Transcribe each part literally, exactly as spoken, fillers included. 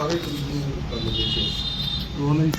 अठारह तरीक को कर लगे थे वो नहीं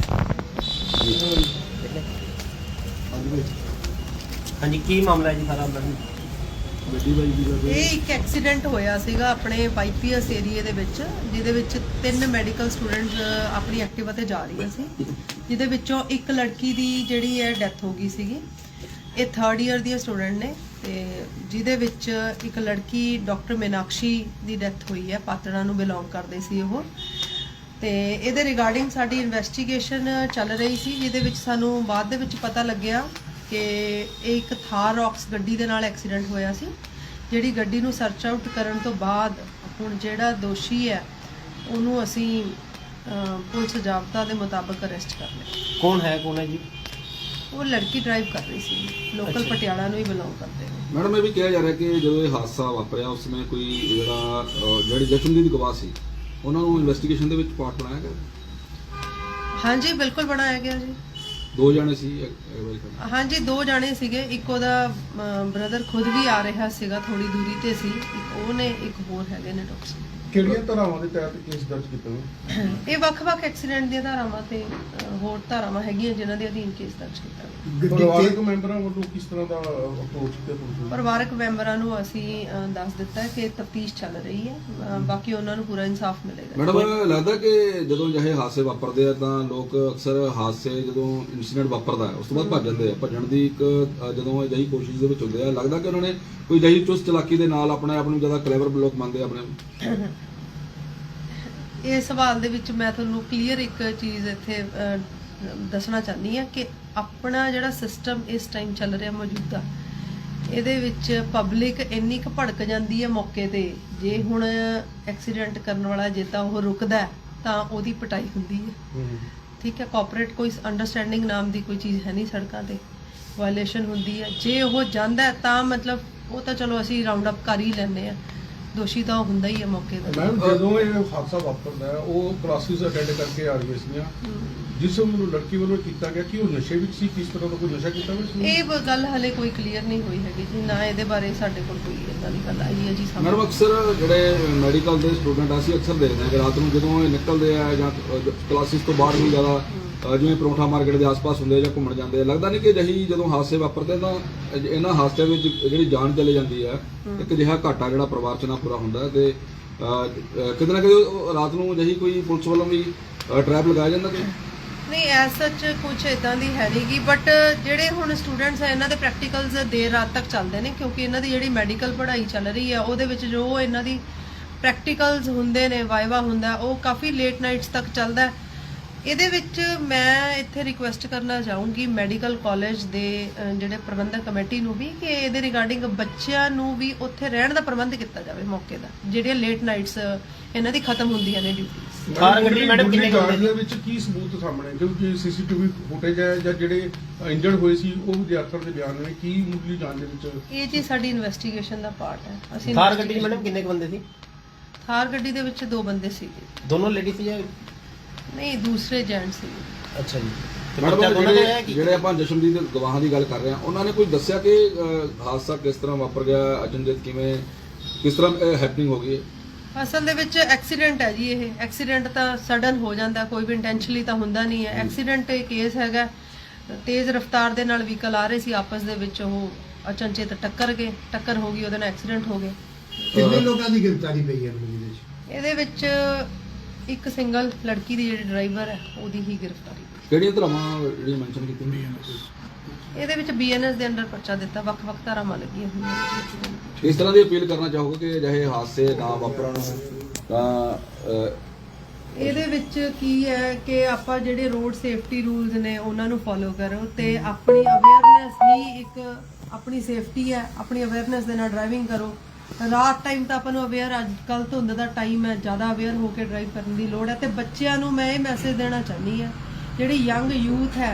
हाँ जी की मामला है जी सारा अंदर ਗੱਡੀ ਬਾਈ ਦੀ ਕਰਦੇ ਇਹ ਇੱਕ ਐਕਸੀਡੈਂਟ ਹੋਇਆ ਸੀਗਾ ਆਪਣੇ ਵਾਈਪੀਐਸ ਏਰੀਏ ਦੇ ਵਿੱਚ, ਜਿਹਦੇ ਵਿੱਚ ਤਿੰਨ ਮੈਡੀਕਲ ਸਟੂਡੈਂਟਸ ਆਪਣੀ ਐਕਟਿਵਾ ਤੇ ਜਾ ਰਹੀਆਂ ਸੀ, ਜਿਹਦੇ ਵਿੱਚੋਂ ਇੱਕ ਲੜਕੀ ਦੀ ਜਿਹੜੀ ਹੈ ਡੈਥ ਹੋ ਗਈ ਸੀਗੀ। ਇਹ ਥਰਡ ਈਅਰ ਦੀ ਸਟੂਡੈਂਟ ਨੇ ਤੇ ਜਿਹਦੇ ਵਿੱਚ ਇੱਕ ਲੜਕੀ ਡਾਕਟਰ ਮੀਨਾਕਸ਼ੀ ਦੀ ਡੈਥ ਹੋਈ ਹੈ, ਪਾਤੜਾ ਨੂੰ ਬਿਲੋਂਗ ਕਰਦੇ ਸੀ ਉਹ। ਤੇ ਇਹਦੇ ਰਿਗਾਰਡਿੰਗ ਸਾਡੀ ਇਨਵੈਸਟੀਗੇਸ਼ਨ ਚੱਲ ਰਹੀ ਸੀ, ਜਿਹਦੇ ਵਿੱਚ ਸਾਨੂੰ ਬਾਅਦ ਦੇ ਵਿੱਚ ਪਤਾ ਲੱਗਿਆ ਕਿ ਇਹ ਇੱਕ ਥਾਰ ਰੌਕਸ ਗੱਡੀ ਦੇ ਨਾਲ ਐਕਸੀਡੈਂਟ ਹੋਇਆ ਸੀ, ਜਿਹੜੀ ਗੱਡੀ ਨੂੰ ਸਰਚ ਆਊਟ ਕਰਨ ਤੋਂ ਬਾਅਦ ਹੁਣ ਜਿਹੜਾ ਦੋਸ਼ੀ ਹੈ ਉਹਨੂੰ ਅਸੀਂ ਪੁਲਿਸ ਜ਼ਾਬਤਾ ਦੇ ਮੁਤਾਬਕ ਅਰੈਸਟ ਕਰ ਲਿਆ। कौन है कौन है जी? ਉਹ ਲੜਕੀ ਡਰਾਈਵ ਕਰ ਰਹੀ ਸੀ, ਲੋਕਲ ਪਟਿਆਲਾ ਨੂੰ ਹੀ ਬਿਲੋਂਗ ਕਰਦੇ ਨੇ। ਮੈਡਮ ਇਹ ਵੀ ਕਿਹਾ ਜਾ ਰਿਹਾ ਕਿ ਜਦੋਂ ਇਹ ਹਾਦਸਾ ਵਾਪਰਿਆ ਉਸ ਸਮੇਂ ਕੋਈ ਜਿਹੜਾ ਅਹ, ਜਿਹੜੀ ਜਸ਼ਨਦੀਪ ਦੀ ਗਵਾਹ ਸੀ ਉਹਨਾਂ ਨੂੰ ਇਨਵੈਸਟੀਗੇਸ਼ਨ ਦੇ ਵਿੱਚ ਪਾਰਟ ਬਣਾਇਆ ਗਿਆ। ਹਾਂਜੀ ਬਿਲਕੁਲ ਬਣਾਇਆ ਗਿਆ ਜੀ। ਦੋ ਜਾਣੇ ਸੀ ਅਗਵਾਈ ਕਰਨ। ਹਾਂਜੀ ਦੋ ਜਾਣੇ ਸੀਗੇ, ਇੱਕ ਉਹਦਾ ਬ੍ਰਦਰ ਖੁਦ ਵੀ ਆ ਰਿਹਾ ਸੀਗਾ, ਥੋੜੀ ਦੂਰੀ ਤੇ ਸੀ, ਇੱਕ ਉਹ ਨੇ, ਇੱਕ ਹੋਰ ਹੈਗੇ ਨੇ ਡਾਕਟਰ। ਕਿਹੜੀਆਂ ਧਾਰਾਵਾਂ ਦੇ ਤਹਿਤ ਕੇਸ ਦਰਜ ਕੀਤਾ ਹੈ? ਇਹ ਵੱਖ-ਵੱਖ ਐਕਸੀਡੈਂਟ ਦੀਆਂ ਧਾਰਾਵਾਂ ਤੇ ਅ, ਹੋਰ ਧਾਰਾਵਾਂ ਹੈਗੀਆਂ ਜਿਨ੍ਹਾਂ ਦੇ ਅਧੀਨ ਕੇਸ ਦਰਜ ਕੀਤਾ ਗਿਆ। ਪਰਿਵਾਰਕ ਮੈਂਬਰਾਂ ਵੱਲੋਂ ਕਿਸ ਤਰ੍ਹਾਂ ਦਾ ਅਪਰੋਚ ਕੀਤਾ ਤੁਸੀਂ? ਪਰਿਵਾਰਕ ਮੈਂਬਰਾਂ ਨੂੰ ਅਸੀਂ ਅ, ਦੱਸ ਦਿੱਤਾ ਕਿ ਤਫਤੀਸ਼ ਚੱਲ ਰਹੀ ਹੈ, ਅ, ਬਾਕੀ ਉਹਨਾਂ ਨੂੰ ਪੂਰਾ ਇਨਸਾਫ ਮਿਲੇਗਾ। ਮੈਡਮ ਲੱਗਦਾ ਕਿ ਜਦੋਂ ਜਿਹੇ ਹਾਦਸੇ ਵਾਪਰਦੇ ਆ ਤਾਂ ਲੋਕ ਅਕਸਰ ਹਾਦਸੇ ਜਦੋਂ ਇਨਸੀਡੈਂਟ ਵਾਪਰਦਾ ਹੈ ਉਸ ਤੋਂ ਬਾਅਦ ਭੱਜ ਜਾਂਦੇ ਆ। ਭੱਜਣ ਦੀ ਇੱਕ ਅ, ਜਦੋਂ ਅਜਿਹੀ ਕੋਸ਼ਿਸ਼ ਦੇ ਵਿੱਚ ਹੁੰਦੇ ਆ, ਲੱਗਦਾ ਕਿ ਉਹਨਾਂ ਨੇ ਕੋਈ ਅਜਿਹੀ ਚੁਸਤ ਚਲਾਕੀ ਦੇ ਨਾਲ ਆਪਣੇ ਆਪ ਨੂੰ ਜ਼ਿਆਦਾ ਕਲੇਵਰ ਲੋਕ ਮੰਨਦੇ ਆ ਆਪਣੇ। ਇਹ ਸਵਾਲ ਦੇ ਵਿੱਚ ਮੈਂ ਤੁਹਾਨੂੰ ਕਲੀਅਰ ਇੱਕ ਚੀਜ਼ ਇੱਥੇ ਅ, ਦੱਸਣਾ ਚਾਹੁੰਦੀ ਹਾਂ ਕਿ ਆਪਣਾ ਜਿਹੜਾ ਸਿਸਟਮ ਇਸ ਟਾਈਮ ਚੱਲ ਰਿਹਾ ਮੌਜੂਦਾ, ਇਹਦੇ ਵਿੱਚ ਪਬਲਿਕ ਇੰਨੀ ਕੁ ਭੜਕ ਜਾਂਦੀ ਹੈ ਮੌਕੇ ਤੇ, ਜੇ ਹੁਣ ਐਕਸੀਡੈਂਟ ਕਰਨ ਵਾਲਾ ਜੇ ਤਾਂ ਉਹ ਰੁਕਦਾ ਹੈ ਤਾਂ ਉਹਦੀ ਪਿਟਾਈ ਹੁੰਦੀ ਹੈ। ਠੀਕ ਹੈ, ਕੋਆਪਰੇਟ ਕੋਈ ਅੰਡਰਸਟੈਂਡਿੰਗ ਨਾਮ ਦੀ ਕੋਈ ਚੀਜ਼ ਹੈ ਨਹੀਂ, ਸੜਕਾਂ ਤੇ ਵਾਇਲੇਸ਼ਨ ਹੁੰਦੀ ਹੈ। ਜੇ ਉਹ ਜਾਂਦਾ ਹੈ ਤਾਂ ਮਤਲਬ ਉਹ ਤਾਂ ਚਲੋ ਅਸੀਂ ਰਾਉਂਡ ਅਪ ਕਰ ਹੀ ਲੈਂਦੇ ਆ, ਦੋਸ਼ੀ ਤਾਂ ਹੁੰਦਾ ਹੀ ਹੈ ਮੌਕੇ ਤੇ। ਮੈਮ ਜਦੋਂ ਇਹ ਹਾਦਸਾ ਵਾਪਰਦਾ ਹੈ ਉਹ ਕਲਾਸਿਸ ਅਟੈਂਡ ਕਰਕੇ ਆ ਰਹੀਆਂ ਸੀਗੀਆਂ, ਜਿਸ ਨੂੰ ਲੜਕੀ ਵੱਲੋਂ ਕੀਤਾ ਗਿਆ ਕਿ ਉਹ ਨਸ਼ੇ ਵਿੱਚ ਸੀ, ਕਿਸ ਤਰ੍ਹਾਂ ਦਾ ਕੋਈ ਨਸ਼ਾ ਕੀਤਾ ਹੋਇਆ ਸੀ? ਇਹ ਬ- ਗੱਲ ਹਲੇ ਕੋਈ ਕਲੀਅਰ ਨਹੀਂ ਹੋਈ ਹੈਗੀ ਜੀ, ਨਾ ਇਹਦੇ ਬਾਰੇ ਸਾਡੇ ਕੋਲ ਕੋਈ ਇਦਾਂ ਦੀ ਗੱਲ ਆਈ ਹੈ ਜੀ ਮੈਡਮ ਸਾਹਮਣੇ। ਅਕਸਰ ਜਿਹੜੇ ਮੈਡੀਕਲ ਦੇ ਸਟੂਡੈਂਟ ਅਸੀਂ ਅਕਸਰ ਦੇਖਦੇ ਹਾਂ ਕਿ ਰਾਤ ਨੂੰ ਜਦੋਂ ਇਹ ਨਿਕਲਦੇ ਆ ਜਾਂ ਕਲਾਸਿਸ ਤੋਂ ਬਾਹਰ ਵੀ ਜ਼ਿਆਦਾ ਅ, ਜਿਵੇਂ ਪਰੌਂਠਾ ਮਾਰਕੀਟ ਦੇ ਆਸ-ਪਾਸ ਹੁੰਦੇ ਆ ਜਾਂ ਘੁੰਮਣ ਜਾਂਦੇ ਆ, ਲੱਗਦਾ ਨਹੀਂ ਕਿ ਜਿਹੀ ਜਦੋਂ ਹਾਦਸੇ ਵਾਪਰਦੇ ਤਾਂ ਇਹਨਾਂ ਹਾਦਸਿਆਂ ਵਿੱਚ ਜਿਹੜੀ ਜਾਨ ਚਲੇ ਜਾਂਦੀ ਹੈ, ਇੱਕ ਅਜਿਹਾ ਘਾਟਾ ਜਿਹੜਾ ਪਰਿਵਾਰ 'ਚ ਨਾ ਪੂਰਾ ਹੁੰਦਾ ਤੇ ਅ, ਅ, ਕਿਤੇ ਨਾ ਕਿਤੇ ਉਹ ਰਾਤ ਨੂੰ ਜਿਹੀ ਕੋਈ ਪੁਲਿਸ ਵੱਲੋਂ ਵੀ ਟਰੈਪ ਲਗਾਇਆ ਜਾਂਦਾ ਕਿ ਨਹੀਂ ਐਸ ਸੱਚ ਕੁਝ ਇਦਾਂ ਦੀ ਹੈ ਨਹੀਂਗੀ, ਬਟ ਜਿਹੜੇ ਹੁਣ ਸਟੂਡੈਂਟਸ ਹੈ ਇਹਨਾਂ ਦੇ ਪ੍ਰੈਕਟੀਕਲਸ ਦੇਰ ਰਾਤ ਤੱਕ ਚੱਲਦੇ ਨੇ, ਕਿਉਂਕਿ ਇਹਨਾਂ ਦੀ ਜਿਹੜੀ ਮੈਡੀਕਲ ਪੜ੍ਹਾਈ ਚੱਲ ਰਹੀ ਹੈ ਉਹਦੇ ਵਿੱਚ ਜੋ ਇਹਨਾਂ ਦੀ ਪ੍ਰੈਕਟੀਕਲਸ ਹੁੰਦੇ ਨੇ, ਵਾਈਵਾ ਹੁੰਦਾ, ਉਹ ਕਾਫੀ ਲੇਟ ਨਾਈਟਸ ਤੱਕ ਚੱਲਦਾ ਹੈ। ਇਹਦੇ ਵਿੱਚ ਮੈਂ ਇੱਥੇ ਰਿਕੁਐਸਟ ਕਰਨਾ ਚਾਹੂੰਗੀ ਮੈਡੀਕਲ ਕਾਲਜ ਦੇ ਅ, ਜਿਹੜੇ ਪ੍ਰਬੰਧਕ ਕਮੇਟੀ ਨੂੰ ਵੀ ਕਿ ਇਹਦੇ ਰਿਗਾਰਡਿੰਗ ਬੱਚਿਆਂ ਨੂੰ ਵੀ ਉੱਥੇ ਰਹਿਣ ਦਾ ਪ੍ਰਬੰਧ ਕੀਤਾ ਜਾਵੇ ਮੌਕੇ ਦਾ, ਜਿਹੜੀਆਂ ਲੇਟ ਨਾਈਟਸ ਇਹਨਾਂ ਦੀ ਖਤਮ ਹੁੰਦੀਆਂ ਨੇ ਡਿਊਟੀਆਂ। ਕਾਰ ਗੱਡੀ ਮੈਡਮ ਕਿੰਨੇ ਜਾਂਚ ਬੰਦੇ ਦੇ ਵਿੱਚ ਕੀ ਸਬੂਤ ਸਾਹਮਣੇ, ਕਿਉਂਕਿ ਸੀਸੀਟੀਵੀ ਫੁਟੇਜ ਹੈ ਜਾਂ ਜਿਹੜੇ ਇੰਜਰਡ ਹੋਏ ਸੀ ਉਹ ਵਿਦਿਆਰਥੀਆਂ ਦੇ ਬਿਆਨ ਨੇ, ਕੀ ਮੁੱਢਲੀ ਜਾਂਚ ਦੇ ਵਿੱਚ? ਇਹ ਜੀ ਸਾਡੀ ਇਨਵੈਸਟੀਗੇਸ਼ਨ ਦਾ ਪਾਰਟ ਹੈ। ਅਸੀਂ ਕਾਰ ਗੱਡੀ ਮੈਡਮ ਕਿੰਨੇ ਬੰਦੇ ਸੀ? ਥਾਰ ਗੱਡੀ ਦੇ ਵਿੱਚ ਦੋ ਬੰਦੇ ਸੀਗੇ। दोनों लेडी थी या? ਨਹੀਂ ਦੂਸਰੇ ਜੈਂਟ ਸੀ। अच्छा जी। तो ਮੈਡਮ बच्चा दोनों का है ਜਿਹੜੇ कि ਜਿਹੜੇ ਆਪਾਂ ਜਸ਼ਨਦੀਪ ਦੇ ਗਵਾਹਾਂ ਦੀ ਗੱਲ ਕਰ ਰਹੇ ਹਾਂ, ਉਹਨਾਂ ਨੇ ਕੋਈ ਦੱਸਿਆ ਕਿ ਅ, ਹਾਦਸਾ ਕਿਸ ਤਰ੍ਹਾਂ ਵਾਪਰ ਗਿਆ, ਅਚਨਚੇਤ ਕਿਵੇਂ ਕਿਸ ਤਰ੍ਹਾਂ ਹੈਪਨਿੰਗ ਹੋ ਗਈ ਹੈ? ਅਸਲ ਦੇ ਵਿੱਚ ਐਕਸੀਡੈਂਟ ਹੈ ਜੀ, ਇਹ ਐਕਸੀਡੈਂਟ ਤਾਂ ਸਡਨ ਹੋ ਜਾਂਦਾ, ਕੋਈ ਵੀ ਇੰਟੈਂਸ਼ਨਲੀ ਤਾਂ ਹੁੰਦਾ ਨਹੀਂ ਹੈ। ਐਕਸੀਡੈਂਟ ਇਹ ਕੇਸ ਹੈਗਾ, ਤੇਜ਼ ਰਫ਼ਤਾਰ ਦੇ ਨਾਲ ਵਹੀਕਲ ਆ ਰਹੇ ਸੀ, ਆਪਸ ਦੇ ਵਿੱਚ ਉਹ ਅਚਨਚੇਤ ਟੱਕਰ ਗਏ, ਟੱਕਰ ਹੋ ਗਈ, ਉਹਦੇ ਨਾਲ ਐਕਸੀਡੈਂਟ ਹੋ ਗਿਆ। ਕਿੰਨੇ ਲੋਕਾਂ ਦੀ ਗ੍ਰਿਫਤਾਰੀ ਪਈ ਹੈ ਇਹਦੇ ਵਿੱਚ? ਇਹਦੇ ਵਿੱਚ ਇੱਕ ਸਿੰਗਲ ਲੜਕੀ ਦੀ ਜਿਹੜੀ ਡਰਾਈਵਰ ਹੈ ਉਹਦੀ ਹੀ ਗ੍ਰਿਫਤਾਰੀ। ਕਿਹੜੀਆਂ ਧਰਾਵਾਂ ਜਿਹੜੀ ਮੈਂਸ਼ਨ ਕੀਤੀ? ਇਹਦੇ ਵਿੱਚ ਬੀਐਨਐਸ ਦੇ ਅੰਡਰ ਪਰਚਾ ਦਿੱਤਾ, ਵੱਖ-ਵੱਖ ਧਾਰਾਵਾਂ ਲੱਗੀਆਂ ਹੋਈਆਂ। ਇਸ ਤਰ੍ਹਾਂ ਦੀ ਅਪੀਲ ਕਰਨਾ ਚਾਹੋਗੇ ਕਿ ਅਜਿਹੇ ਹਾਦਸੇ ਨਾ ਵਾਪਰਨ ਤਾਂ ਅ, ਇਹਦੇ ਵਿੱਚ ਕੀ ਹੈ ਕਿ ਆਪਾਂ ਜਿਹੜੇ ਰੋਡ ਸੇਫਟੀ ਰੂਲਸ ਨੇ ਉਹਨਾਂ ਨੂੰ ਫੋਲੋ ਕਰੋ ਤੇ ਆਪਣੀ ਅਵੇਅਰਨੈਸ ਹੀ ਇੱਕ ਆਪਣੀ ਸੇਫਟੀ ਹੈ, ਆਪਣੀ ਅਵੇਅਰਨੈਸ ਦੇ ਨਾਲ ਡਰਾਈਵਿੰਗ ਕਰੋ। ਰਾਤ ਟਾਈਮ ਤਾਂ ਆਪਾਂ ਨੂੰ ਅਵੇਅਰ, ਅੱਜ ਕੱਲ੍ਹ ਧੁੰਦ ਦਾ ਟਾਈਮ ਹੈ, ਜ਼ਿਆਦਾ ਅਵੇਅਰ ਹੋ ਕੇ ਡਰਾਈਵ ਕਰਨ ਦੀ ਲੋੜ ਹੈ। ਤੇ ਬੱਚਿਆਂ ਨੂੰ ਮੈਂ ਇਹ ਮੈਸੇਜ ਦੇਣਾ ਚਾਹੁੰਦੀ ਹਾਂ, ਜਿਹੜੀ ਯੰਗ ਯੂਥ ਹੈ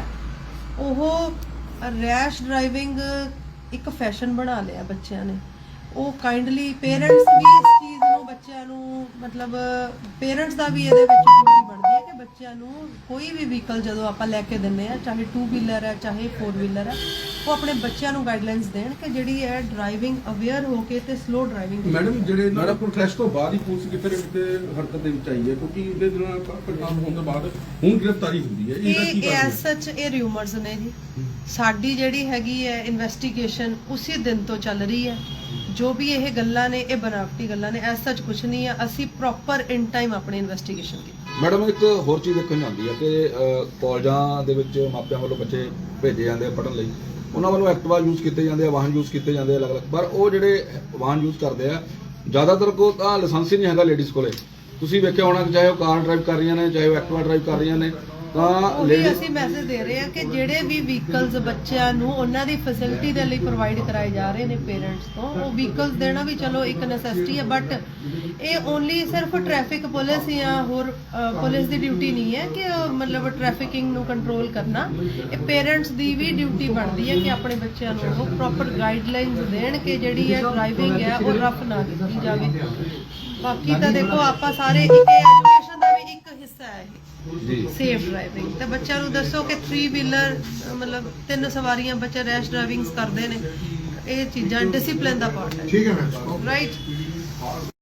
ਉਹ ਰੈਸ਼ ਡਰਾਈਵਿੰਗ ਇੱਕ ਫੈਸ਼ਨ ਬਣਾ ਲਿਆ ਬੱਚਿਆਂ ਨੇ। ਉਹ ਕਾਈਂਡਲੀ ਪੇਰੈਂਟਸ ਵੀ ਇਸ ਚੀਜ਼ ਨੂੰ ਬੱਚਿਆਂ ਨੂੰ ਮਤਲਬ ਪੇਰੈਂਟਸ ਦਾ ਵੀ ਇਹਦੇ ਵਿੱਚ ਡਿਊਟੀ ਬਣਦੀ ਹੈ ਕਿ ਬੱਚੇ ਬੱਚਿਆਂ ਨੂੰ ਕੋਈ ਵੀ ਵਹੀਕਲ ਜਦੋਂ ਆਪਾਂ ਲੈ ਕੇ ਦਿੰਨੇ ਆ, ਚਾਹੇ ਟੂ ਵੀਲਰ ਹੈ ਚਾਹੇ ਫੋਰ ਵੀਲਰ ਹੈ, ਉਹ ਆਪਣੇ ਬੱਚਿਆਂ ਨੂੰ ਗਾਈਡਲਾਈਨਸ ਦੇਣ ਕਿ ਜਿਹੜੀ ਹੈ ਡਰਾਈਵਿੰਗ ਅਵੇਅਰ ਹੋ ਕੇ ਤੇ ਸਲੋ ਡਰਾਈਵਿੰਗ। ਮੈਡਮ ਜਿਹੜੇ ਨਾਲ ਪ੍ਰੋਟੈਸਟ ਤੋਂ ਬਾਅਦ ਹੀ ਪੁਲਿਸ ਕਿਤੇ ਨਾ ਕਿਤੇ ਹਰਕਤ ਦੇ ਵਿੱਚ ਆਈ ਹੈ, ਕਿਉਂਕਿ ਇਹਦੇ ਨਾਲ ਕੰਮ ਹੋਣ ਤੋਂ ਬਾਅਦ ਹੁਣ ਗ੍ਰਿਫਤਾਰੀ ਹੁੰਦੀ ਹੈ, ਇਹਦਾ ਕੀ ਇਹ ਕਾਰਨ ਐਸ ਸੱਚ ਇਹ ਰਿਊਮਰਸ ਨੇ ਜੀ। ਸਾਡੀ ਜਿਹੜੀ ਹੈਗੀ ਹੈ ਇਨਵੈਸਟੀਗੇਸ਼ਨ ਉਸੇ ਦਿਨ ਤੋਂ ਚੱਲ ਰਹੀ ਹੈ। ਜੋ ਵੀ ਇਹ ਗੱਲਾਂ ਨੇ ਇਹ ਬਨਾਵਟੀ ਗੱਲਾਂ ਨੇ, ਐਸ ਸੱਚ ਕੁਝ ਨਹੀਂ ਹੈ। ਅਸੀਂ ਪ੍ਰੋਪਰ ਇਨ ਟਾਈਮ ਆਪਣੀ ਇਨਵੈਸਟੀਗੇਸ਼ਨ ਕੀਤੀ। ਮੈਡਮ ਇੱਕ ਹੋਰ ਚੀਜ਼ ਦੇਖਣ ਜਾਂਦੀ ਹੈ ਕਿ ਅਹ, ਕਾਲਜਾਂ ਦੇ ਵਿੱਚ ਮਾਪਿਆਂ ਵੱਲੋਂ ਬੱਚੇ ਭੇਜੇ ਜਾਂਦੇ ਆ ਪੜ੍ਹਨ ਲਈ, ਉਹਨਾਂ ਵੱਲੋਂ ਐਕਟਿਵਾ ਯੂਜ਼ ਕੀਤੇ ਜਾਂਦੇ ਆ, ਵਾਹਨ ਯੂਜ਼ ਕੀਤੇ ਜਾਂਦੇ ਆ ਅਲੱਗ-ਅਲੱਗ, ਪਰ ਉਹ ਜਿਹੜੇ ਵਾਹਨ ਯੂਜ਼ ਕਰਦੇ ਆ ਜ਼ਿਆਦਾਤਰ ਕੋ ਤਾਂ ਲਾਇਸੈਂਸ ਹੀ ਨਹੀਂ ਹੈਗਾ ਲੇਡੀਜ਼ ਕੋਲੇ। ਤੁਸੀਂ ਵੇਖਿਆ ਹੋਣਾ ਕਿ ਚਾਹੇ ਉਹ ਕਾਰ ਡਰਾਈਵ ਕਰ ਰਹੀਆਂ ਨੇ, ਚਾਹੇ ਉਹ ਐਕਟਿਵਾ ਡਰਾਈਵ ਕਰ ਰਹੀਆਂ ਨੇ, ਤਾਂ ਉਹੀ ਲੇਡੀ ਅਸੀਂ ਮੈਸੇਜ ਦੇ ਰਹੇ ਹਾਂ ਕਿ ਜਿਹੜੇ ਵੀ ਵਹੀਕਲਸ ਬੱਚਿਆਂ ਨੂੰ ਉਹਨਾਂ ਦੀ ਫੈਸਿਲਿਟੀ ਦੇ ਲਈ ਪ੍ਰੋਵਾਈਡ ਕਰਾਏ ਜਾ ਰਹੇ ਨੇ ਪੇਰੈਂਟਸ ਤੋਂ, ਉਹ ਵਹੀਕਲਸ ਦੇਣਾ ਵੀ ਚਲੋ ਇੱਕ ਨੈਸੈਸਿਟੀ ਹੈ, ਬਟ ਇਹ ਓਨਲੀ ਸਿਰਫ ਟ੍ਰੈਫਿਕ ਪੁਲਿਸ ਜਾਂ ਹੋਰ ਪੁਲਿਸ ਦੀ ਡਿਊਟੀ ਨਹੀਂ ਹੈ ਕਿ ਅਹ, ਮਤਲਬ ਟ੍ਰੈਫਿਕਿੰਗ ਨੂੰ ਕੰਟਰੋਲ ਕਰਨਾ। ਇਹ ਪੇਰੈਂਟਸ ਦੀ ਵੀ ਡਿਊਟੀ ਬਣਦੀ ਹੈ ਕਿ ਆਪਣੇ ਬੱਚਿਆਂ ਨੂੰ ਉਹ ਪ੍ਰੋਪਰ ਗਾਈਡਲਾਈਨਸ ਦੇਣ ਕਿ ਜਿਹੜੀ ਹੈ ਡਰਾਈਵਿੰਗ ਹੈ ਉਹ ਰਫ ਨਾ ਕੀਤੀ ਜਾਵੇ। ਬਾਕੀ ਤਾਂ ਦੇਖੋ ਆਪਾਂ ਸਾਰੇ ਇੱਕ ਐਜੂਕੇਸ਼ਨ ਦਾ ਵੀ ਇੱਕ ਹਿੱਸਾ ਹੈ ਇਹ ਜੀ ਸੇਫ ਡਰਾਈਵਿੰਗ। ਤੇ ਬੱਚਿਆਂ ਨੂੰ ਦੱਸੋ ਕਿ ਥ੍ਰੀ ਵੀਲਰ ਮਤਲਬ ਤਿੰਨ ਸਵਾਰੀਆਂ ਬੱਚੇ ਰੈਸ਼ ਡਰਾਈਵਿੰਗਸ ਕਰਦੇ ਨੇ, ਇਹ ਚੀਜ਼ਾਂ ਡਿਸਪਲਿਨ ਦਾ ਪਾਰਟ ਹੈ। ਠੀਕ ਹੈ ਮੈਮ। ਰਾਈਟ।